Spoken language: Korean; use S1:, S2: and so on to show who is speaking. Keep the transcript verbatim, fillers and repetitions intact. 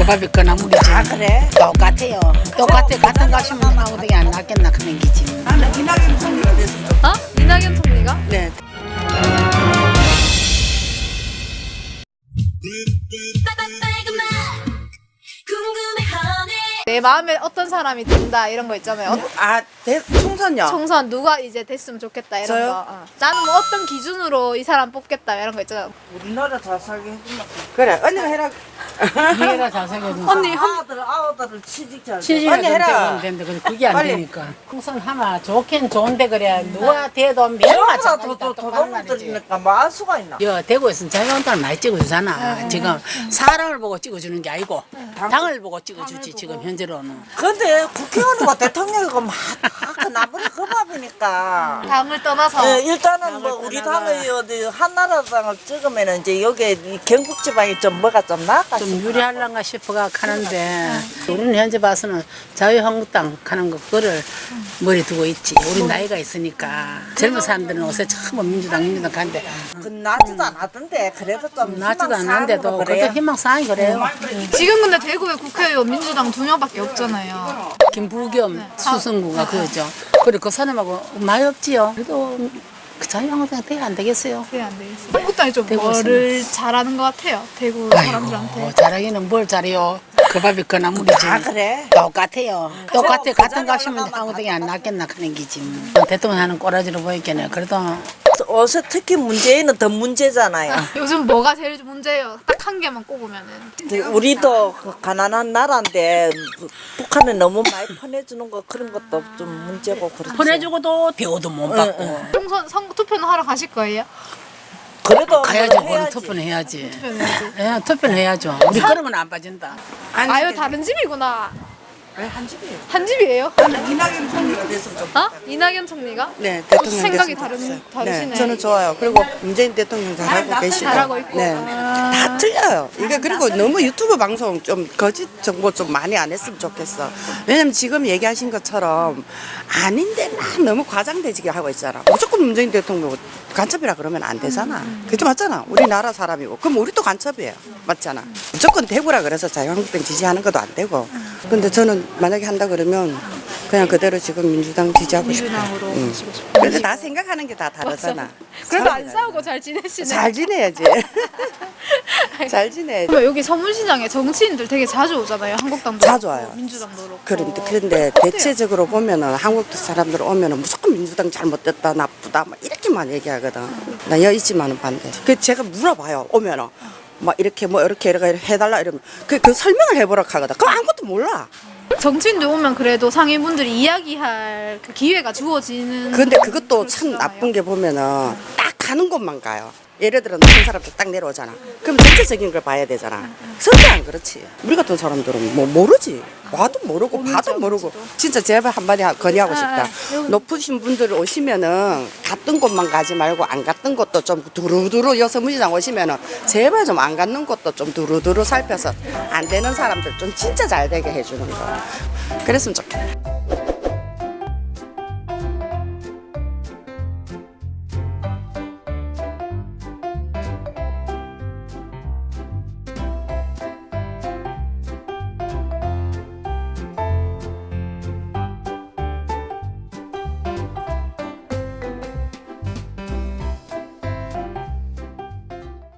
S1: 밥이 끄나물이지.
S2: 아 그래?
S1: 똑같아요. 똑같아. 같은 가시면 아무데게 안 낫겠나 그런 기지.
S2: 나는 이낙연 총리가 됐으면 좋겠어.
S3: 어? 이낙연 총리가?
S2: 네.
S3: 내 마음에 어떤 사람이 든다 이런 거 있잖아요. 어,
S2: 아 대, 총선요?
S3: 총선 누가 이제 됐으면 좋겠다 이런
S2: 저요?
S3: 거. 어. 나는 뭐 어떤 기준으로 이 사람 뽑겠다 이런 거 있잖아요.
S2: 우리나라 잘 살게 해주면 그래 언니가 해라.
S1: 니가 잘생겨.
S3: 언니 한
S2: 아들 아들을 취직 잘 돼.
S1: 취직을
S2: 언니
S1: 좀
S2: 해라.
S1: 되면 되는데 그래, 그게 안
S2: 빨리.
S1: 되니까. 총선 하나 좋긴 좋은데 그래 누가 돼도 매우
S2: 저보다
S1: 마찬가지다.
S2: 더더
S1: 똑바른 말이지.
S2: 더더들이니까 뭐 알 수가 있나?
S1: 여 대구에서는 자유한국당을 많이 찍어주잖아. 지금 사람을 보고 찍어주는 게 아니고 당을 보고 찍어주지 지금 현재로는.
S2: 근데 국회의원과 대통령이고 막 나무리 그 밥이니까.
S3: 당을 떠나서
S2: 예, 일단은 뭐 우리 당의 어디 한나라당을 찍으면은 이제 여기 이 경북 지방이 좀 뭐가 좀 나아가.
S1: 좀 유리할란가 싶어가 가는데 우리는 현재 봐서는 자유한국당 가는 거 그거를 머리 두고 있지. 우리 나이가 있으니까 젊은 사람들은 요새 처음 민주당 민주당 가는데
S2: 그 나지도 않았던데 그래도 좀
S1: 나지도
S2: 희망
S1: 않는데도
S2: 사항으로
S1: 그래도
S2: 그래요.
S1: 희망사항이 그래요.
S3: 지금 근데 대구에 국회의원 민주당 두 명밖에 없잖아요.
S1: 김부겸 수성구가 그거죠. 그리고 그 사람하고 많이 없지요. 그래도 그 자유한국당 돼야 안 되겠어요.
S3: 그래 안 되겠어. 한국당이 좀
S1: 대구에서는.
S3: 뭐를 잘하는 것 같아요. 대구 사람들한테.
S1: 아이고 잘하기는 뭘 잘해요. 그 밥이 끄나물이지.
S2: 아 그래?
S1: 똑같아요. 똑같아.
S2: 그
S1: 같은
S2: 자리에
S1: 가시면
S2: 올라가면
S1: 아무데게 안 낫겠나 그런 기지. 대통령 하는 꼬라지로 보이겠네. 그래도
S2: 어서 특히 문재인은 더 문제잖아요.
S3: 요즘 뭐가 제일 문제예요? 딱 한 개만 꼽으면은.
S2: 근데 우리도 그 가난한 나라인데 북한은 너무 많이 퍼내주는 거 그런 것도 좀 문제고 그렇지.
S1: 보내주고도 대우도 못 받고.
S3: 총선 선 투표는 하러 가실 거예요?
S2: 그래도
S1: 가야죠.
S2: 뭐
S1: 그거는
S2: 해야지.
S1: 투표는 해야지.
S3: 투표는 해야지.
S1: 예, 투표는 해야죠. 우리 그런 건 안 빠진다.
S3: 아유 다른 집이구나.
S2: 왜한 집이에요?
S3: 한 집이에요?
S2: 나는 이낙연 총리가 됐으면 좋겠어.
S3: 어? 이낙연 총리가?
S4: 네,
S3: 또
S4: 대통령
S3: 생각이
S4: 됐으면
S3: 다른
S4: 좋겠어요.
S3: 다르시네.
S4: 네, 저는 좋아요. 그리고 문재인 대통령 잘하고 계시고.
S3: 잘하고 있고.
S4: 네,
S3: 아.
S4: 다 틀려요. 이게 그리고 너무 유튜브 방송 좀 거짓 정보 좀 많이 안 했으면 좋겠어. 왜냐면 지금 얘기하신 것처럼 아닌데 막 너무 과장되지게 하고 있잖아. 무조건 문재인 대통령 간첩이라 그러면 안 되잖아. 그게 맞잖아. 우리나라 사람이고. 그럼 우리도 간첩이에요. 맞잖아. 무조건 대구라 그래서 자유한국당 지지하는 것도 안 되고. 근데 저는 만약에 한다 그러면 그냥 그대로 지금 민주당 지지하고 싶어요.
S3: 민주당으로
S4: 응.
S3: 가시고 싶어요.
S4: 근데 다 생각하는 게 다 다르잖아.
S3: 그래도 안 싸우고 잘 지내시네.
S4: 잘 지내야지. 잘 지내야지.
S3: 그러면 여기 서문시장에 정치인들 되게 자주 오잖아요. 한국당도
S4: 자주
S3: 그렇고,
S4: 와요.
S3: 민주당도 그렇고.
S4: 그런데 그런데 대체적으로 보면은 한국 사람들 오면은 무조건 민주당 잘못됐다 나쁘다 막 이렇게만 얘기하거든. 나 여있지만은 반대. 그 제가 물어봐요 오면은 막 이렇게 뭐 이렇게 이렇게 해달라 이러면 그, 그 설명을 해보라 하거든. 그럼 아무것도 몰라.
S3: 정치인들 오면 그래도 상인분들이 이야기할 그 기회가 주어지는.
S4: 근데 그것도 참
S3: 그렇잖아요.
S4: 나쁜 게 보면은 딱 가는 곳만 가요. 예를 들어 높은 사람들 딱 내려오잖아. 그럼 전체적인 걸 봐야 되잖아. 설계 안 그렇지. 우리 같은 사람들은 뭐 모르지. 와도 모르고 봐도 모르고. 진짜 제발 한마디 하- 건의하고 싶다. 높으신 분들 오시면은 갔던 곳만 가지 말고 안 갔던 곳도 좀 두루두루 여서문시장 오시면은 제발 좀 안 갔는 곳도 좀 두루두루 살펴서 안 되는 사람들 좀 진짜 잘 되게 해주는 거. 그랬으면 좋겠다.